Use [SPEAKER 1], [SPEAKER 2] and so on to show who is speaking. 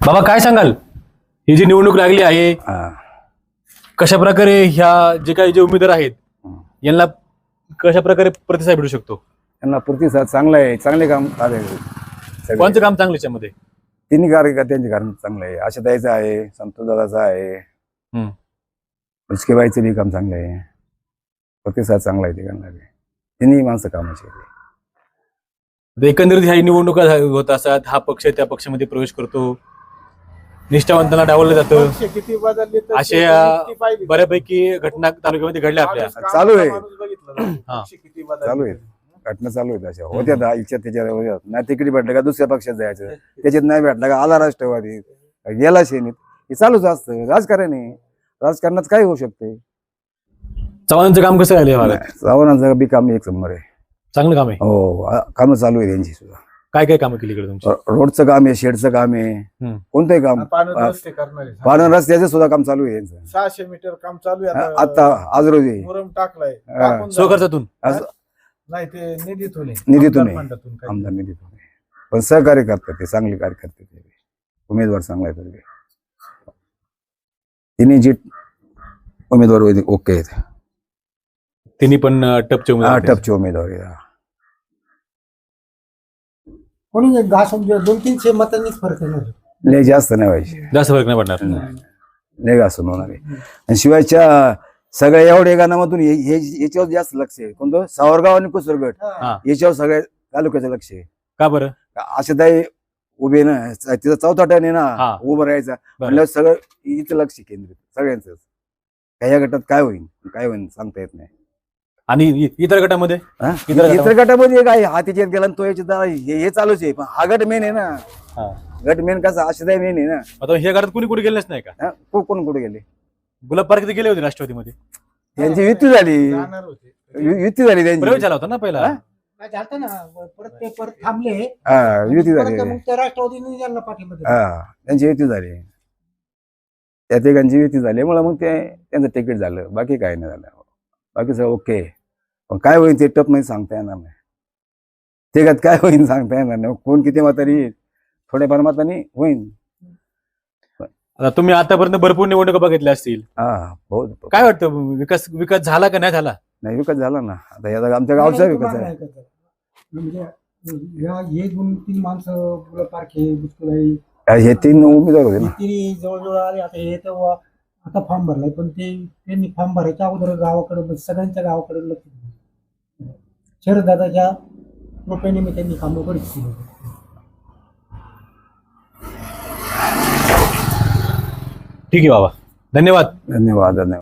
[SPEAKER 1] बाबा काय सांगाल, ही जी निवडणूक लागली आहे कशा प्रकारे ह्या जे काही जे उमेदवार आहेत यांना कशा प्रकारे प्रतिसाद भेटू शकतो?
[SPEAKER 2] त्यांना प्रतिसाद चांगला आहे, चांगले काम आहे.
[SPEAKER 1] कोणतं काम चांगलं याच्यामध्ये?
[SPEAKER 2] तिन्ही कार्यकर्त्यांचे काम चांगलं आहे. आशाताईचं आहे, संतोष दादाचं आहे, मुचकेबाईचं बी काम चांगलं आहे. प्रतिसाद चांगला आहे तिघांना बी. तिन्ही माणसं कामाची आहेत.
[SPEAKER 1] एकंदरीत ह्या निवडणुका होत असतात, हा पक्ष त्या पक्षामध्ये प्रवेश करतो, निष्ठावंतांना डावललं जातं, असे बऱ्यापैकी घटना तालुक्यामध्ये घडल्या आपल्या.
[SPEAKER 2] चालू आहे घटना चालू आहेत अशा होत्या. इच्छा त्याच्या नाही तिकीट भेटलं का दुसऱ्या पक्षात जायचं, त्याच्यात नाही भेटलं का आला राष्ट्रवादी, गेला सेनेत. हे चालूच असतं राजकारण आहे. राजकारणात काय होऊ शकते.
[SPEAKER 1] चव्हाणांचं काम कसं राहिलं?
[SPEAKER 2] चव्हाणांचं बी काम एक नंबर आहे,
[SPEAKER 1] चांगलं काम आहे.
[SPEAKER 2] हो कामं चालू आहे त्यांची सुद्धा.
[SPEAKER 1] काय काय कामं केली इकडे तुमची?
[SPEAKER 2] रोडचं काम आहे, शेडचं काम आहे, कोणतंही काम. पाणी रस्त्याचं सुद्धा काम चालू आहे यांचं.
[SPEAKER 3] 600 मीटर काम चालू आहे
[SPEAKER 2] आता आज रोजी
[SPEAKER 3] मुरम टाकलाय.
[SPEAKER 1] स्वखर्चातून
[SPEAKER 3] नाही ते निधीतून
[SPEAKER 2] आमदार निधीतून. पण सहकार्य करतात ते, चांगले कार्य करतात ते. उमेदवार चांगला आहे तरी तिन्ही जी उमेदवार ओके आहेत.
[SPEAKER 1] तिन्ही पण टपचे उमेदवार आहेत.
[SPEAKER 2] टपचे उमेदवार आहे.
[SPEAKER 3] कोणी 200-300 मतांनीच फरक येणार.
[SPEAKER 2] लय जास्त नाही व्हायचे,
[SPEAKER 1] जास्त फरक नाही पडणार.
[SPEAKER 2] लय घासून होणार आहे. आणि शिवायच्या सगळ्या एवढ्या गाण्यामधून याच्यावर जास्त लक्ष आहे. कोणतं सावरगाव आणि कुसरगड याच्यावर सगळ्या तालुक्याचं लक्ष आहे.
[SPEAKER 1] का बरं?
[SPEAKER 2] आशाताई उभे ना, तिचा चौथा टर्न आहे ना, उभं राहायचा म्हणल्यावर सगळं इथं लक्ष केंद्रित सगळ्यांचं. या गटात काय होईल सांगता येत नाही.
[SPEAKER 1] आणि इतर गटामध्ये
[SPEAKER 2] इतर गटामध्ये काय हा त्याच्यात गेला तो याच्यात हे चालूच आहे. पण हा गट मेन आहे ना. गट मेन कसा आशाताई मेन आहे ना.
[SPEAKER 1] आता हे गटात कुणी कुठे गेलेच नाही का?
[SPEAKER 2] कोण कुठे गेले?
[SPEAKER 1] गुलाब पार्क गेले होते राष्ट्रवादीमध्ये.
[SPEAKER 2] त्यांची युती झाली त्यांची.
[SPEAKER 1] प्रवेश झाला होता ना पहिला.
[SPEAKER 3] परत पेपर थांबले,
[SPEAKER 2] युती झाली.
[SPEAKER 3] राष्ट्रवादीने त्यांना पाठिंबा.
[SPEAKER 2] त्यांची युती झाली. त्या तिघांची युती झाल्यामुळे मग ते त्यांचं तिकीट झालं. बाकी काय नाही झालं. बाकी सगळं ओके. पण काय होईल ते टप नाही सांगता येणार नाही. तिघात काय होईल सांगता येणार नाही. कोण किती म्हातारी येईल, थोड्याफार मतांनी होईल.
[SPEAKER 1] आता तुम्ही आतापर्यंत भरपूर निवडणुका बघितल्या असतील. काय वाटतं, विकास झाला का नाही झाला?
[SPEAKER 2] नाही, विकास झाला ना. आता आमच्या गावचा विकास आहे.
[SPEAKER 3] म्हणजे हे 2-3 माणसं पारखे बुचकुलाई
[SPEAKER 2] हे 3 उमेदवार होते ना.
[SPEAKER 3] जवळजवळ आले. आता हे तेव्हा आता फॉर्म भरलाय, पण त्यांनी फॉर्म भरायच्या अगोदर गावाकडे सगळ्यांच्या गावाकडे लक्ष दिलं. शरददादाच्या कृपेने त्यांनी कामं बरीच केली.
[SPEAKER 1] ठीक आहे बाबा, धन्यवाद.
[SPEAKER 2] धन्यवाद.